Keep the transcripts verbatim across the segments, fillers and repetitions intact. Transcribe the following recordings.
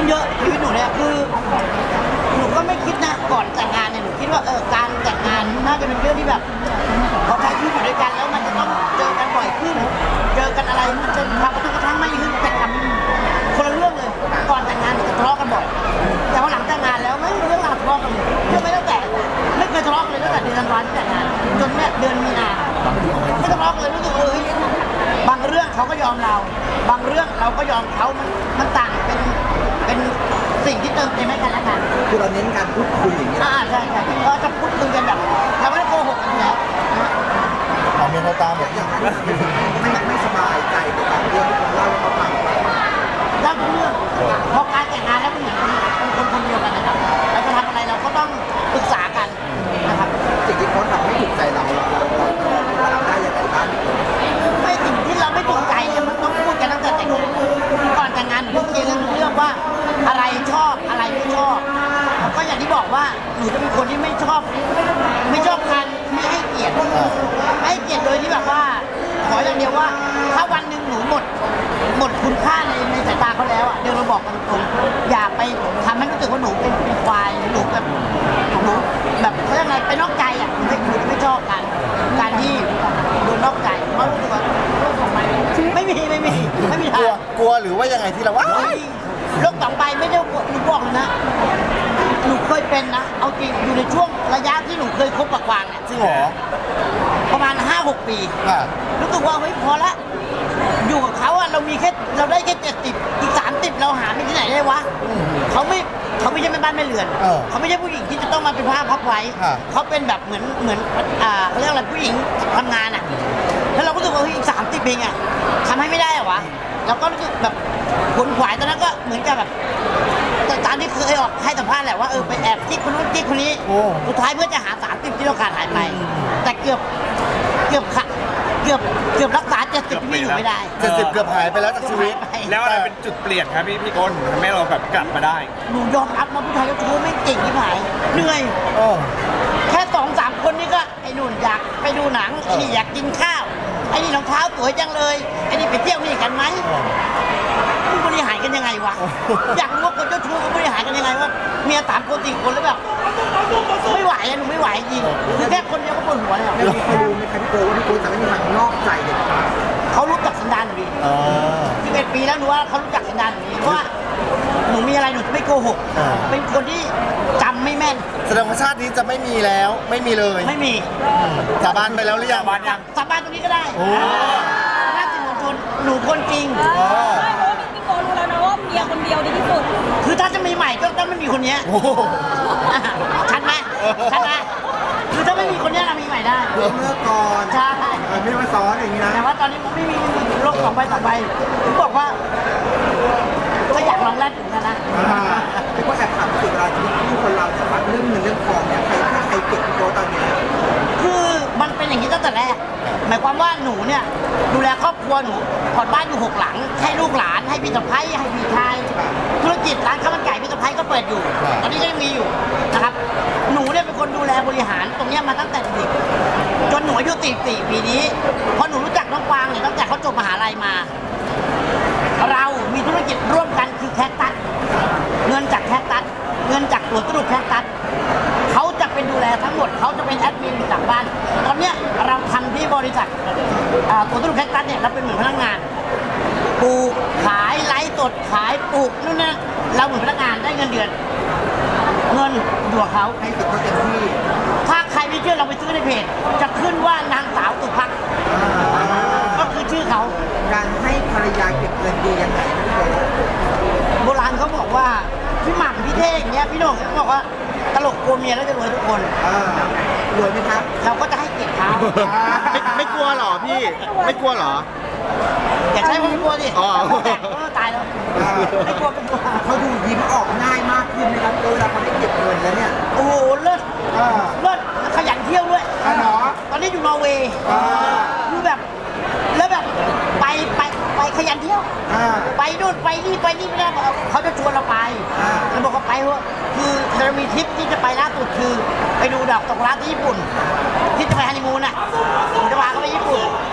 ขึ้นเยอะชีวิตหนูเนี่ยคือหนูก็ไม่คิดนะก่อนแต่งงานเนี่ยหนูคิดว่าเออการแต่งงานน่าจะเป็นเรื่องที่แบบพอใช้ชีวิตอยู่ด้วยกันแล้วมันจะต้องเจอกันบ่อยขึ้นเจอกันอะไรมันจะความกระทบกระทั่งไม่ขึ้นแต่ทำคนละเรื่องเลยก่อนแต่งงานจะทะเลาะกันบ่อยแต่พอหลังแต่งงานแล้วไม่มีเรื่องราวทะเลาะกันเลยเรื่องไม่ตั้งแต่ไม่เคยทะเลาะกันเลยตั้งแต่เดือนธันวาคมที่แต่งงานจนเนี่ยเดือนมีนาไม่ทะเลาะกันเลยรู้สึกเออบางเรื่องเขาก็ยอมเรา บางเรื่องเราก็ยอมเขามันมันต่างเป็นเป็นสิ่งที่เติมเต็มให้กันและกันคือเราเน้นการพูดคุยอย่างนี้อ่าใช่ใช่ก็จะพูดคุยกันแบบเราไม่ได้โกหกกันแล้วทำเมียเขาตามแบบอย่างไม่ไม่สบายใจกับการเรื่องที่เราเล่าให้เขาฟังเล่าทุกเรื่องพอการแต่งงานแล้วมันเหมือนเป็นคนคนเดียวกันนะครับเราจะทำอะไรเราก็ต้องปรึกษากันนะครับสิ่งที่เขาทำให้ถูกใจเราเราเราเราได้ยังไงบ้างไม่สิ่งที่เราไม่ถูกใจเนี่ยมันต้องพูดกันตั้งแต่แต่งงานก่อนแต่งงานหนูต้องเคลียร์เรื่องเรื่องว่าอะไรชอบอะไรไม่ชอบก็อย่างที่บอกว่าหนูจะเป็นคนที่ไม่ชอบไม่ชอบการไม่ให้เกียรติไม่ให้เกียรติโดยที่แบบว่าขออย่างเดียวว่าถ้าวันหนึ่งหนูหมดหมดคุณค่าในในสายตาเขาแล้วอ่ะเดี๋ยวเราบอกกันตรงอย่าไปทำให้รู้สึกว่าหนูเป็นเป็นควายหนูแบบหนูแบบเขาเรียกอะไรไปนอกใจอ่ะหนูไม่หนูไม่ชอบกันการที่โดนนอกใจเพราะรู้สึกว่าไม่มีไม่มีไม่มีทางกลัวกลัวหรือว่ายังไงที่เราว่าโรคสองใบไม่ได้หนูบอกเลยนะหนูเคยเป็นนะเอาจริงอยู่ในช่วงระยะที่หนูเคยคบกับกวางเนี่ยจริงเหรอประมาณ ห้าหก ปีรู้สึกว่าเฮ้ยพอละอยู่กับเขาอะเรามีแค่เราได้แค่เจ็ดสิบอีกสามสิบเราหาไปที่ไหนได้วะเขาไม่เขาไม่ใช่แม่บ้านแม่เรือนเขาไม่ใช่ผู้หญิงที่จะต้องมาเป็นผ้าพับไว้เขาเป็นแบบเหมือนเหมือนอ่าเขาเรียกอะไรผู้หญิงทำงานอะแล้วเราก็รู้สึกว่าเฮ้ยอีกสามสิบเองอะทำให้ไม่ได้อะวะเราก็รู้สึกแบบขนขวายตอนนั้นก็เหมือนกับแบบแต่ตามที่เคยออกให้สัมภาษณ์แหละว่าเออไปแอบกิ๊กคนนู้นกิ๊กคนนี้สุดท้ายเพื่อจะหาสามสิบที่เราขาดหายไปแต่เกือบเกือบขาดเกือบเกือบรักษาเจ็ดสิบที่อยู่ไม่ได้เจ็ดสิบเกือบหายไปแล้วจากชีวิตแล้วอะไรเป็นจุดเปลี่ยนครับพี่พี่ก้นทำให้เราแบบกลับมาได้หนูยอมรับนะผู้ชายก็ชู้ไม่เก่งที่ไหนเหนื่อยแค่สองสามคนนี่ก็ไอ้นุ่นอยากไปดูหนังไอ้นี่อยากกินข้าวไอ้นี่รองเท้าสวยจังเลยไอ้นี่ไปเที่ยวนี่กันไหมมึงบริหารกันยังไงวะอยากรู้ว่าคนเจ้าชู้เขาบริหารกันยังไงว่าเมียสามคนสี่คนแล้วแบบไม่ไหวอะหนูไม่ไหวจริงคือแค่คนเดียวก็ปวดหัวแล้วเขารู้ไหมครับพี่โก้ว่าพี่โก้จะไม่มีทางนอกใจเด็ดขาดเขารู้จักสันดานหนูดีสิบเอ็ดปีแล้วหนูว่าเขารู้จักสันดานหนูดีเพราะว่าหนูมีอะไรหนูไม่โกหกเป็นคนที่จำไม่แม่นแสดงว่าชาตินี้จะไม่มีแล้วไม่มีเลยไม่มีสาบานไปแล้วหรือยังสาบานยังสาบานตรงนี้ก็ได้น่าจะหนูคนหนูคนจริงใช่เพราะว่าพี่โก้รู้แล้วนะว่าเมียคนเดียวดีที่สุดคือถ้าจะมีใหม่ก็ต้องไม่มีคนนี้ชัดไหมชัดไหมคือถ้าไม่มีคนนี้เรามีใหม่ได้เมื่อก่อนใช่ไม่มาซ้อนอย่างนี้นะแต่ว่าตอนนี้ไม่มีโรคสองใบสองใบผมบอกว่าก็อยากลองแรกถึงกันนะแต่ก็แอบถามสิเวลาที่คนเราจะฟังเรื่องเงินเรื่องทองเนี่ยใครถ้าใครเก็บพี่โก้ตอนนี้คือมันเป็นอย่างนี้ตั้งแต่แรกหมายความว่าหนูเนี่ยดูแลครอบครัวหนูผ่อนบ้านอยู่หกหลังให้ลูกหลานให้พี่สะใภ้ให้พี่ชายธุรกิจร้านข้าวมันไก่พี่สะใภ้ก็เปิดอยู่ตอนนี้ก็ยังมีอยู่นะครับหนูเนี่ยเป็นคนดูแลบริหารตรงนี้มาตั้งแต่เด็กจนหนูอายุสี่สี่ปีนี้พอหนูรู้จักน้องกวางเนี่ยตั้งแต่เขาจบมหาลัยมาเรามีธุรกิจร่วมกันคือแคคตัสเงินจากแคคตัสเงินจากตัวตุลุแคคตัสเขาจะเป็นดูแลทั้งหมดเขาจะเป็นแอดมินจากบ้านตอนเนี้ยเราทำที่บริษัทตัวตุลุแคคตัสเนี่ยเราเป็นเหมือนพนักงานปลูกขายไลฟ์สดขายปลูกนู่นนั่นเราเหมือนพนักงานได้เงินเดือนเงินอยู่กับเขาให้สิทธิ์เขาเต็มที่ถ้าใครไม่เชื่อเราไปซื้อในเพจจะขึ้นว่านางสาวสุภักดิ์ก็คือชื่อเขาการให้ภรรยาเก็บเงินดียังไงนะพี่โก้โบราณเขาบอกว่าพี่หม่ำพี่เท่งเนี้ยพี่โหน่งเขาบอกว่าตลกกลัวเมียแล้วจะรวยทุกคนรวยไหมครับเราก็จะให้เกียรติเขาไม่ไม่กลัวหรอพี่ไม่กลัวหรออย่าใช้ความกลัวดิตายแล้วไม่กลัวเป็นกลัวเขาดูยิ้มออกง่ายมากขึ้นนะครับเวลาเขาได้เก็บเงินแล้วเนี่ยโอ้โหเลิศเลิศขยันเที่ยวด้วยตอนนี้อยู่นอร์เวย์คือแบบแล้วแบบไปไปไปขยันเที่ยวไปนู่นไปนี่ไปนี่ไม่ได้เขาจะชวนเราไปเราบอกเขาไปเพราะคือเรามีทริปที่จะไปล่าสุดคือไปดูดอกตกรักที่ญี่ปุ่นที่จะไปฮันนีมูนอ่ะผมจะพาเขาไปญี่ปุ่น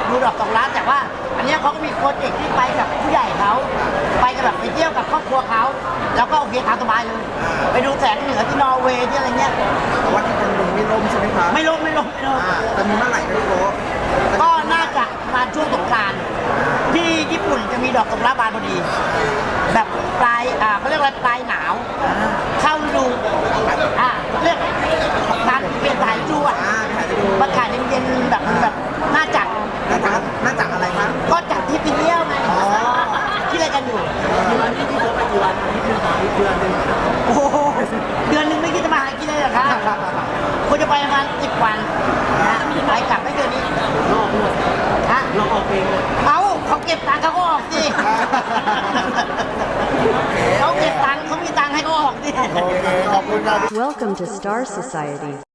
ดูดอกสองล้านแต่ว่าอันเนี้ยเขาก็มีโปรเจกต์ที่ไปกับผู้ใหญ่เขาไปกันแบบไปเที่ยวกับครอบครัวเขาแล้วก็โอเคตามสบายเลย ไปดูแสงเหนือที่นอร์เวย์ที่อะไรเงี้ยแต่ว่าที่คนลงไม่ล่มใช่ไหมคะไม่ลงไม่ลงไม่ลงอ่าจะมีเมื่อไหร่นะพี่โก้ก็น่าจะมาช่วงสงกรานต์ที่ญี่ปุ่นจะมีดอกสกุระบานพอดี แบบปลายอ่าเขาเรียกว่าปลายหนาว เข้าฤดูอ่าเรียกการเปลี่ยนสายฤดูอ่ะอ่าถ่ายไปดูมาขายเย็นๆแบบแบบน่าจัดน่าจะน่าจะอะไรครับก็จัดทริปไปเที่ยวไงที่อะไรกันอยู่โอ้โหเดือนหนึงไม่คิดจะมาหากินเลยเหรอครับควรจะไปประมาณสิบวันนะไปกลับไม่เกินนี้ฮะลองออกเองเลยเอาเขาเก็บตังค์เขาก็ออกสิเขาเก็บตังค์เขามีตังค์ให้เขาออกสิโอเค ขอบคุณครับ Welcome to Star Society.